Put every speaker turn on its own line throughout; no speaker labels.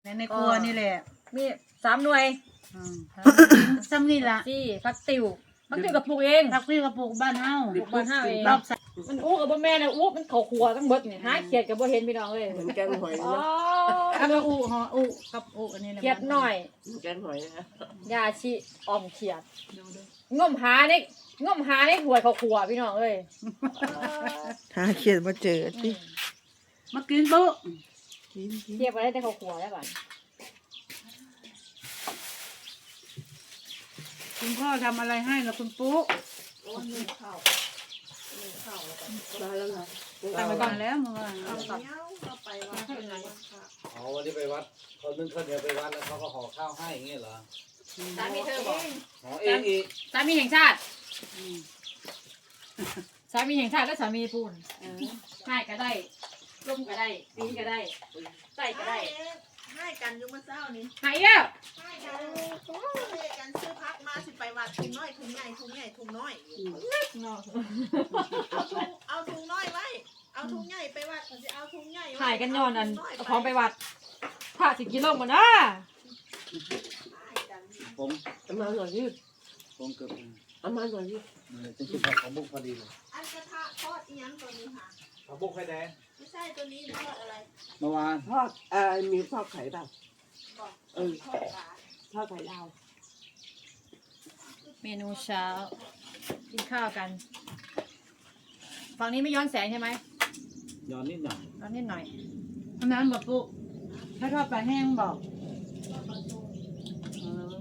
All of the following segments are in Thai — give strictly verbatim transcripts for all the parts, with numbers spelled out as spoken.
ในในครัวนี่แหละ
มีสามหน่วย
ซ้ำนี่ละ
ที่พักติวพักติวกับปลูกเอง
พักพี่กับปลูกบ้านเฮา
ปลูกบ้านเฮาเอง
รอบส
มันอู้กับบ่แม่นะอู้มันเขาครัวทั้งเบิดนี่หาเขียดกับบ่เห็นพี่น้องเลย
เหมือนแกงหอย
อ๋อ
นะ
แล้วก็อุหออุกับอุอันนี้แหละ
เขียดหน่อย
แกงหอยนะ
ยาชีออมเขียดงมหาในงมหาในหวยเขาครัวพี่น้องเอ้ย
หาเขียนมาเจอสิ
มากินปุ๊
เทียบอะไรแต่เขาครัวได้บ้าน
คุณพ่อทำอะไรให้ล่ะคุณปุ๊
มาแล้วเหรอ
ตั้งไปก่อนแล้วเมื่อวาน
อ๋อวันนี้ไปวัดเขานึ่งข้าวเหนียวไปวัดแล้วเขาก็ห่อข้าวให้อย่างเงี้ยเหรอ
สามีเธอบอก
ห่อเองอีก
สามีแห่งชาติสามีแห่งชาติและสามีปูนให้ก็ได้ร่มก็ได้ปีก็ได้ใส่ก็ได้
ให้กันอยู่เมื่อเช้านี้
ให้แล้ว
ให้กันให้กันซื้อพักมาสิไปวัดถุงน้อยถุงใหญ่ถุงใหญ่ถุงน้อยเอาถุงเอาถุงน้อยไว้เอาถุงใหญ่ไปวัดเขาจะเอาถุงใหญ่
ถ่ายกันย้อนอันเอาของไปวัดผ้าสิกิโลหมดนะ
ผม
เอามาหน่อยดิ
ผมเกือบ
เอามาหน่อยดิ
จริงๆผักของบุกพอดีเลย
อันกระทะทอดอีหยังตัวนี้ค่ะ
ผักบุกไข่แดง
ไม่ใช่ตัวนี้ทอดอะไร
เมื่อวาน
ทอดเอ่อมีทอดไข่เปล่า
บอก
เออ
ทอดปลา
ทอดไข่ดาว
เมนูเช้ากินข้าวกันฝั่งนี้ไม่ย้อนแสงใช่ไหม
ย้อนนิดหน่อย
ย้อนนิดหน่อย
อันนั้นบอกปุ๊ถ้าทอดปลาแห้งบอกเออ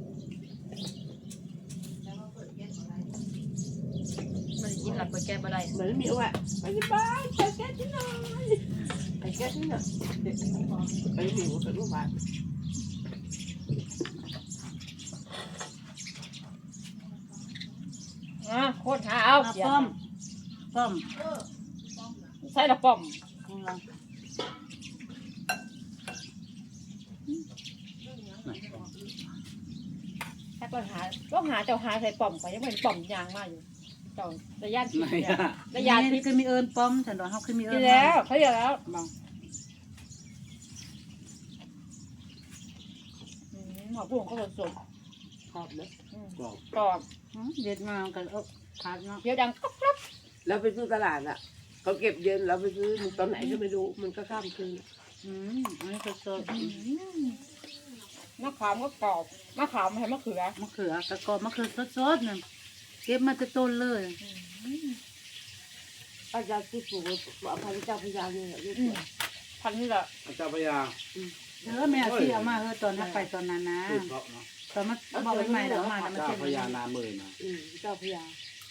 มันกินหลักเปิดแก้บ่ได้
เหมือนมีว่ะไปที่บ้านไปแก้ที่หน่อยไปแก้ที่หน่อยเด็กไปหมิวกับลูกบ้าน
อ่ะโคตรหาเอา
เอา
เขียด
ป้อมป้อม
เออ
ใส่ละป้อม
ของเรา
แค่ก็หาก็หาเจ้าหาใส่ป้อมไปยังไม่เห็นป้อมยางมากอยู่เจ้าระยะทิพ
ไหน
ย์
อ่ะ
ระยะทิ
นี่
พย์
คือมีเอิญป้อมฉันบอกเขาคือมีเอิ
กิ
ญ
นแล้วเขาเรียกแล้ว
บอก
อืมหอมปุ้งก็สด
ชอบนะ
ๆอืม
กรอบ
กรอบ
อืมเด็ดมากันเออขาดเนาะ
เดี๋ยวดังก๊อบก๊อบ
เราไปซื้อตลาดอ่ะเขาเก็บเย็นเราไปซื้อตอนไหนก็ไม่รู้มันก็ข้ามคืน
อืมอันนี้สด
อืมมะขามก็กรอบมะขามให้มะเขือ
ๆมะเขือกระกอบมะเขือสดๆเนี่ยเก็บมาจะต้นเลย
ป้าจะซื้อปลูกเอาพันเจ้าพญาเนี่ยลูก
อืมพันนี่แหละ
อาจารย์พยา
เออแม่เอาที่เอามาเออตอนนั้นไปตอนนั้นนะ
คือเพราะเนาะ
ตอนมาบอกใหม่ๆแล้วมาแล้วมา
เจ้า
เช็ด
พยานามือนะ
อืมเจ้าพญา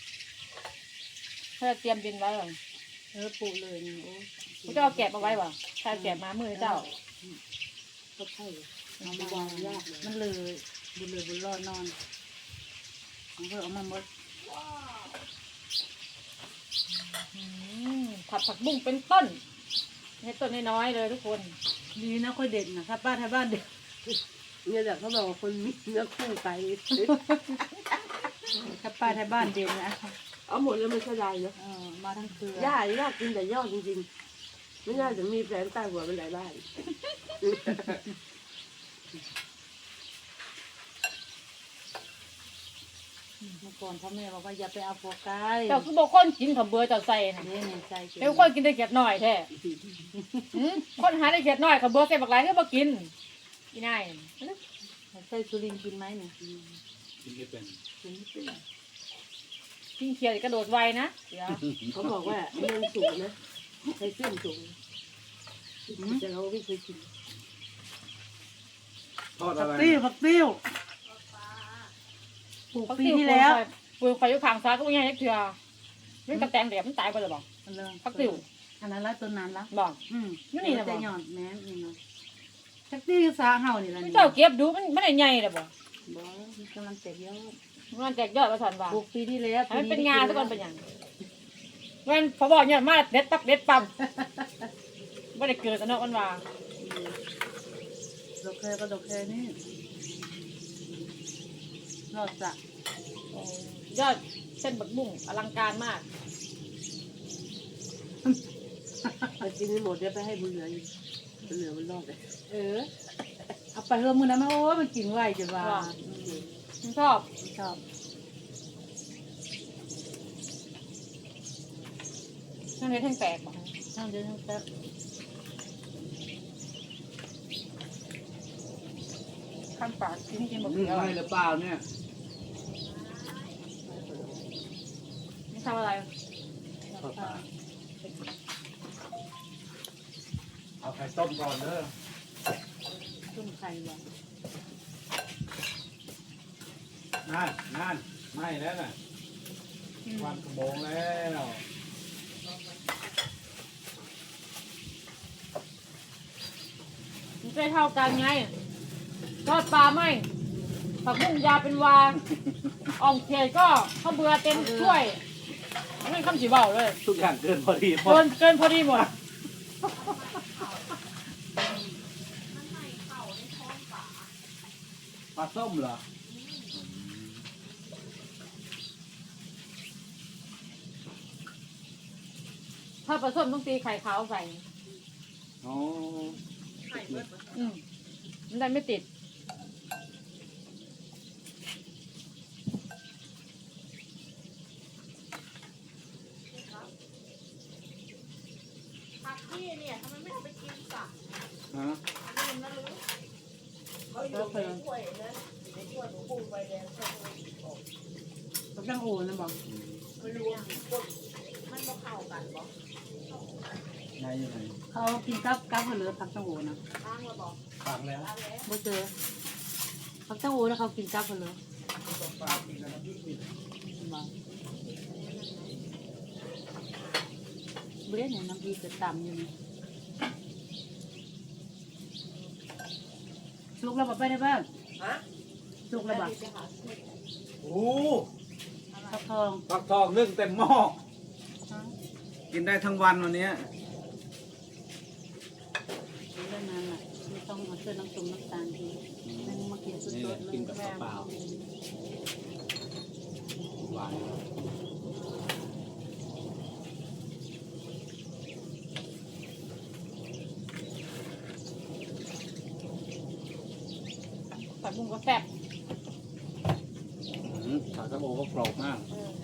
เขาจะเตรียมดินไว้ก่อน
เออปลูกเลยนี่โอ้
เขาจะเอาแกะมาไว้ป่ะถ้าแกะมามือเจ้า
ก็ใช่
เอามาวางยากมันเลยบุญเลยบุญรอดนอนเอาเพื่อเอามาหมด
อืมผัดผักบุ้งเป็นต้นให้ต้นน้อยๆเลยทุกคน
ดีนะค่อยเด็ดนะถ้าป้าไทยบ้านเด็ด
เนี่ยแหละเขาบอกว่าคนมีเนื้อคู่ไก่
ถ้าป้าไทยบ้านเด็ดนะ
เอาหมดแล้วไม่ใช่ไรนะ
เออมาทั้งเครือย่
าย่ากินแต่ยอดจริงๆไม่น่าจะมีแฟนใต้หัวเป็นหลายบ้าน
เมื่อก่อนพ่อแม่บอกว่าอย่าไปเอาโฟกัส
เจ้าคือบอกคนกินข้าวเบื่อเจ้าใส่นะ
นี่นี่ใส่
เดี๋ยวคนกินได้เกียดน้อยแท้หืมคนหาได้เกียดน้อยข้าวเบื่อใส่บักหลายก็บ่กินกินได้
ใส่สุรินทร์กินไหมเนี่ย
กินไม่เป็น
กินเขียดกระโดดไวนะเดี๋ยว
เขาบอกว่าเมืองสูงนะใช้เส้นสูงแต่เราไม่เคยกิน
ทอด
ผั
อะ
ก
ไร
ติ้วผักติ้วปลูก
เขา
ปี
ติ้ว
ที่แล้ว
ปลูกไฟอยู่ข้างซ้ายก็ไม่ง่ายจักเทื่อมันกระแตงแดดมันตายไปเลยบอก ผักติ้ว
อันนั้นละต้นนั้นละ
บอก
อืม
อยู่นี่นะบ่
แต่หย่อนแม่นนี่เนาะผักติ้วสาเห่านี่ละนี่
เจ้าเก็บดูมันมันได้ใหญ่เลยบ่
บ่มันกำลังเต็มยอด
มันแตกยอดมาสันว่า
ปลูกปีที่แล้ว
ให้มันเป็นงาซะก่อนเป็นหยังมันพอบอกเนี่ยมาเด็ดปักเด็ดปั๊มไม่ได้เกิดซะเนาะมันว่า
ดอกแคก็ดอกแคนี่รอดจ้ะ
ยอดเส้นบักบุ้งอลังการมาก
แต่กินไม่หมดเดี๋ยวไปให้บุญเหลืออีกบุญเหลือมันรอดเลย
เออ
ไปเฮือมือนั้นมันโอ้ยมันกินไวจนว่า
มันชอบ
ชอบ
นั่นเลยแท่งแตกบอก
ทั้งเดือนทั้งแป๊บ
ข้ามปากกินกินหมด
นี่
แล้ว
ให้หรือเปล่าเนี่ย
นี่ทำอะไร
ข้าวปลาเอาไข่ต้มก่อนเด้อ
ต้มไข่บ่
นั่นนั่นไม่แล้วน่ะวันกระโบงแล้ว
มันจะเท่ากันไงทอดปลาไหมผักบุ้งยาเป็นวาอ่องเขียดก็ข้าวเบื่อเต็มถ้วยไม่คำสีเบาเลย
ทุกอย่างเกินพอดีหม
เกิ
ด
นเกินพอดีหมด
ปลาส้มเหรอ
ถ้าปลาส้มต้องตีไข่ขาวใส่
อ๋อ
ไข่เบิด
อืมมันได้ไม่ติด
ผักพี่เนี่ยทำไมไม่เอาไปกินสัก
ฮะ
ลืมนะลืมเขาอยู่ในถ้วยนะในถ้วยหนูปูใบแดงเขาเลยออก
กับจังโอนะบ่
ไม่รู้ว่ามันก็เข้ากันบอก
ไงยังไง
เขากินกับกับเหลือผักจังโอนะ
ตั้งมาบอก
ฟังแล้ว
ตั้งแล้ว
บ่เจอผักจังโอแล้วเขากินกับเหลือ
ปลากินกันนะพี่กิน
บ่เบื่อเนี่ยน้ำพริกจะต่ำอยู่นี่สุกแล้วบ่ไปได้บ้าง
ฮะ
สุกแล้วบ่
โอ้
ผักทอง
ฟักทองนึ่งเต็มหม้อกินได้ทั้งวันวันนี้
เรื่องนั้นน่ะไม่ต้องมาเชื่อน้ำส้มน้ำตาลทีนั่งมากินส
นี่แห
ด
ละ
ๆเล
กิน
ย
กับเปล่าหวาน
ผักบุ้งก็แซ่บ
อืมผักกระโบก็กรอบมาก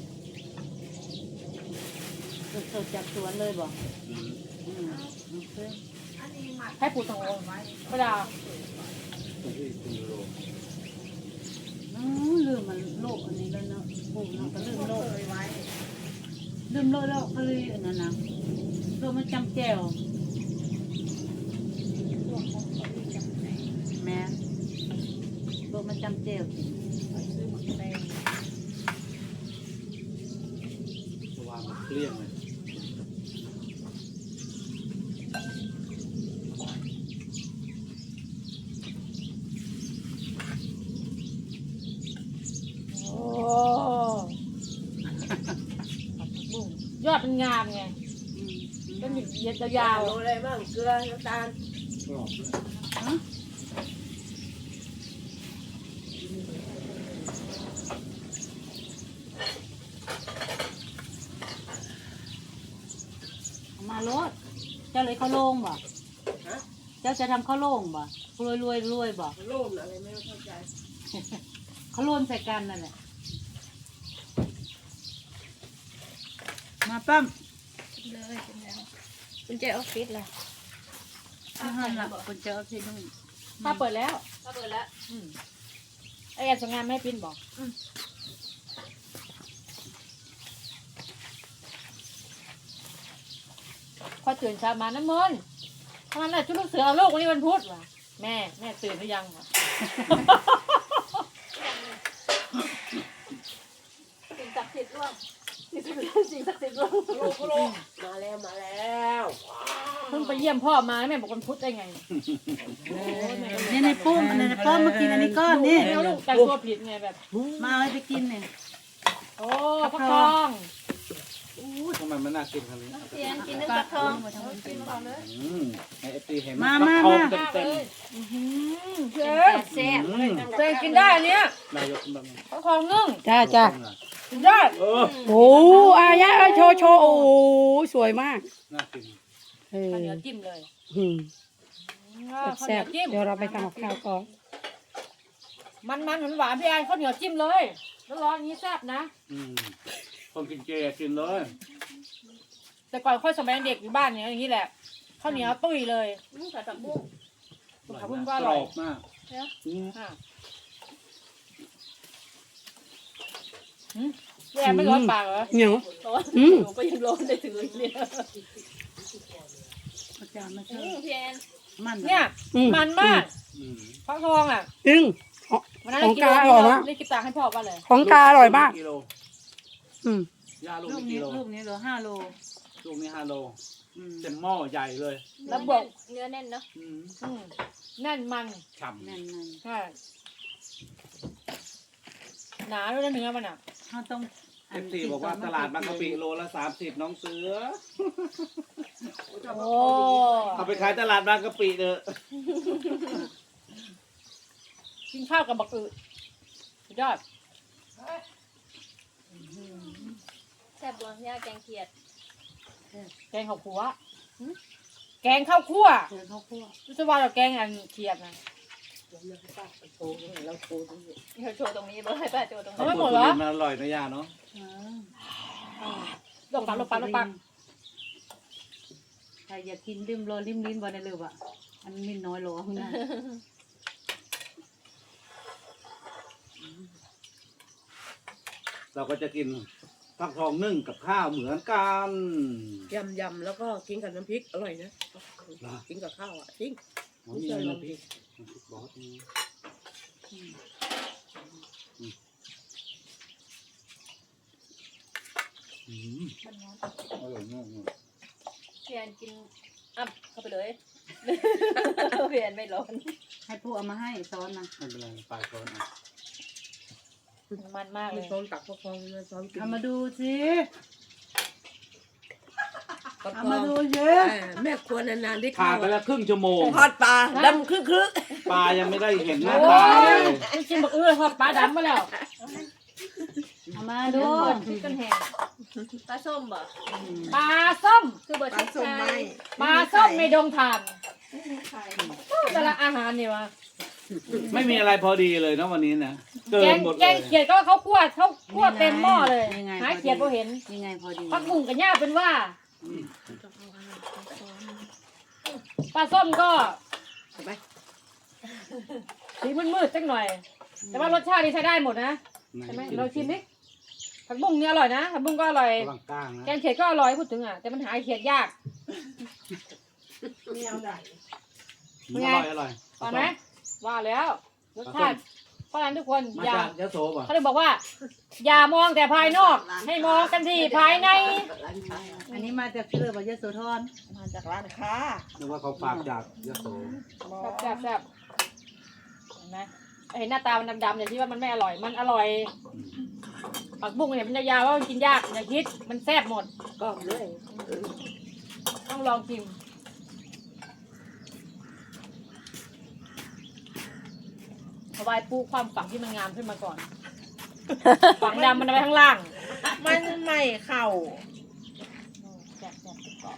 สดๆจากสวนเลยบ่
อืม
อืมโอเค
อันนี้หมัก
ให้ปูตังโอเวลา
ตัวที่คุณยูโร
อ๋อลืมมันโลกอันนี้แล้วเนาะปลูกเนาะก็ลืมโลก
เคยไว้
ลืมโลกแล้วก็เลยอันนั้นนะโลกมันจำแจ่วแม่โลกมันจำแจ่ว
ซื้อหมักแตง
วางเกลี้ยงเลย
โอ้บุ้งยอดเป็นงามไง
อืม
เป็นหยิบเย็ดยาว
โรยอะไรบ้างเกลือน้ำตาล
กรอบเลย
ฮะเอามาโลดเจ้าเลยเข้าโล่งบ่
ฮะ
เจ้าจะทำข้าวโล่งบ่รวยรวยรวยบ่
โรมอะไรไม่เข้าใจ
เขาโล่นใส่กันนั่นแหละมาปั้ม
เลยเป็นแล้วคุณเจออฟฟิศล่ะ
ที่ห้องละคนเจอที่นู่น
ถ้าเปิดแล้ว
ถ้าเปิดแล้ว
อืมไอ้แอนส่งงานไม่ให้พินบอกพอตื่นเช้ามาน้ำมนต์ทำไมล่ะชุดลูกเสือเอาลูกวันนี้วันพุธวะแม่แม่ตื่นหรือยังวะ
สิ่งศักดิ์สิทธิ์ร่วมสิ่งศักดิ์สิทธิ์สิ่งศักดิ์สิทธิ์ร่วม
โรคโรคมาแล้วมาแล้ว
เพิ่งไปเยี่ยมพ่อมาแม่บอกวันพุธได้ไง
นี่ในปุ้มในในป้อมมากินอันนี้ก้อนนี่
แล้วลูกแต่งตัวผิดไงแบบ
มาเอาไปกินเนี่ย
โอ้ฟักทอง
อู้ทำไมมันน่ากินขนาดนี้
เตียนกินนึกกระทองกินก่อนเลย
อืมไอเอฟตีเห็น
มา
ฟัก
มา
ทอง
มา
เต็มเต็ม
เจ๊
แซ่บ
อืม
เจ๊กินได้อันเนี้ย
นายกแบบ
ฟักทองนึ่ง
จ้าจ้า
กินได้
เออ
โอ้อายะโชว์โชว์โอ้สวยมาก
น่ากิน
เออ
ข้าวเหนียวจิ้มเลย
อืม
ข้าวเห
แซ่
นีย
บ
วจิ้ม
ๆเดี๋ยวเราไปทำกับข้าวก่อน
มันมันหวานหวานพี่แอนข้าวเหนียวจิ้มเลยแล้วร้อนอย่างนี้แซ่บนะ
อืมคนกินเจกินเลย
แต่ก่อนค่อยสมัยเด็กอยู่บ้านเนี่ยอย่างนี้แหละข้าวเหนียวตุ้ยเลย
อืมใส่ผักบุ้ง
ผักบุ้งก็อร่อย
กบมาก
เนี่ย
อืม
อ่ะหืมพี่แอนไม่ร้อนปากเหรอ
เหนียว
ร้อน
อืม
หนูก็ยังร้อนได้ถึงเลยเนี่ย
อาจารย์มา
อื
เชิญ
มพี่แอน
มัน
เนี่ย
อืม
มันมาก
อืม
ฟักทองอ่ะ
จริง
วันนั้น
ของ
กิ
กา
โล
อร่อยมาก
นี่กินตาให้พ่อว่าเลย
ของกาอร่อยมาก
กิโล
อืม
ย่าลูก
ลูก
นี่
นี้
กิโล
ลูกนี้เหลือห้าโล
ลูกนี้ห้าโล
อืม
เต็มหม้อใหญ่เลย
แล้วบวก
เนื้อแน่นเนาะ
อืม
อืมแน่นมัน
ฉ่ำ
แน่น
ใช่หนาด้วยนะเนื้อมันอ่ะ
ๆเขาต้อง
เอฟซีบอกว่าตลาดบางกะปิโลละสามสิบน้องเสือ
โอ้
เอาไปขายตลาดบางกะปิเด้อ
กินข้าวกับบักอึสุดยอด
แซ่บบัวย่าแกงเขียด
แกงข้าวคั่วหึแกงข้าวคั่ว
เจอข้าวคั่ว
รู้สึกว่าเราแกงอันเขียดนะ
โชว์เราโชว์ตรงนี้เราโชว์ตรงนี้เบอร์ให้ป้าโชว์ตรง
เอา
นี้
ไม่หมดเหรอ
มันอร่อยนะย่าเนาะ
เออ
ลงปักลงปักลงปัก
ใครอยากกินริมรอริมลิ้นบ่ได้เลยว่ะอันนี้น้อยโลข้างหน้า
เราก็จะกินฟักทองนึ่งกับข้าวเหมือนกัน
ยำยำแล้วก็กินกับน้ำพริกอร่อยนะกินกับข้าวอ่ะจริง
อ๋อมีน้ำพริกน้ำพริกบอสนี่อืมอร่อยมากเลย
พี่แอนกินอัพเข้าไปเลยพี่แอนไม่ร้อน
ให้ผู้เอามาให้ซ้อนนะ
ไม่เป็นไรปลายช้อนอ่ะ
มันมากเล
มี
ย
ซ้อนตักพอฟองมาซ้อนกิน
เอามาดูสิ
พอ
เอา
ฟอ
มาง ดูเยอะ
แม่ครัวนานๆได้
ผ่า
ข้าน ว
ไปแล้วครึ่งชั่วโมง
ทอดปลาดำครึกครึก
ปลายังไม่ได้เห็นหน้า
โอ้
ตาย เลย
ไม่กินบักอึทอดปลาดำมาแล้ว
เอามาดู
พริกกันแห้งปลาส้มบ่
ปลาส้ม
คือเบอร์ที่ใช่
ปลาส้มในดงถ่านแต่ละอาหารนี่วะ
ไม่มีอะไรพอดีเลยนะวันนี้นะเกิ
แก
น
ง
หมด
แก
เลย
งเขียดก็เขาคั่วเขาคั่วเต็มหม้อเลยหาเขียดพอเห็น
ยังไงพอดี
พักบุ้งกับย่าเป็นว่าปลาส้มก็สีมืดๆสักหน่อย แต่ว่ารสชาตินี่ใช้ได้หมดนะใช่ไหมเราชิมดิผักบุ้งนี่อร่อยนะผักบุ้งก็อร่อย
ระหว่างกลางนะ
แกงเขียดก็อร่อยพูดถึงอ่ะแต่มันหาเขียดยาก
ไม่เอาได้
อร่อยอร่อย
ตอนไหมว่าแล้วรสชาติเพราะฉะนั้นทุกคน
มา
อย่า
จากยะโสป่ะ
เขาเลยบอกว่า อย่ามองแต่ภายนอก ให้มองกันที่ภายใน
อันนี้มาจากที่เลยบอกยะโสธร
มาจากร้านค้า
นึกว่าเขาฝากจากยะโส
แซ่บแซ่บเห็นไหมเห็นหน้าตามันดำๆอย่างที่ว่ามันไม่อร่อยมันอร่อยผักบุ้งเนี่ยมันจะยาวว่ามันกินยากอย่าคิดมันแซ่บหมด
ก็เลย
ต้องลองชิมเอาไว้ปูความฝังที่มันงามขึ้นมาก่อน ฝังดำมันเอาไว้ข้างล่าง
มันไม่เข้า
แซ่บแซ่บกรอบ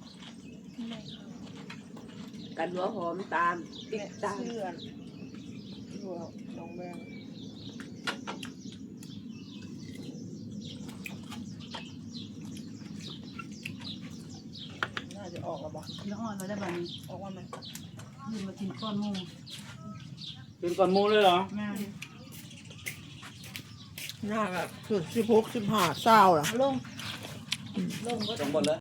กันหัวหอมตามติดตาม
เชื่อนหัวน้องแมงน่าจะออกแล้วบ่
แล้วอ่อนเราได้แบบนี้
ออกว่ามัน
ยืนมากินก้อนหมู
เป็นก่อนหมูเลยเหรอ
งาน
น่าแบบคือสิบหกสิบห้าเศร้าล่ะ
ลง
สองบทเลย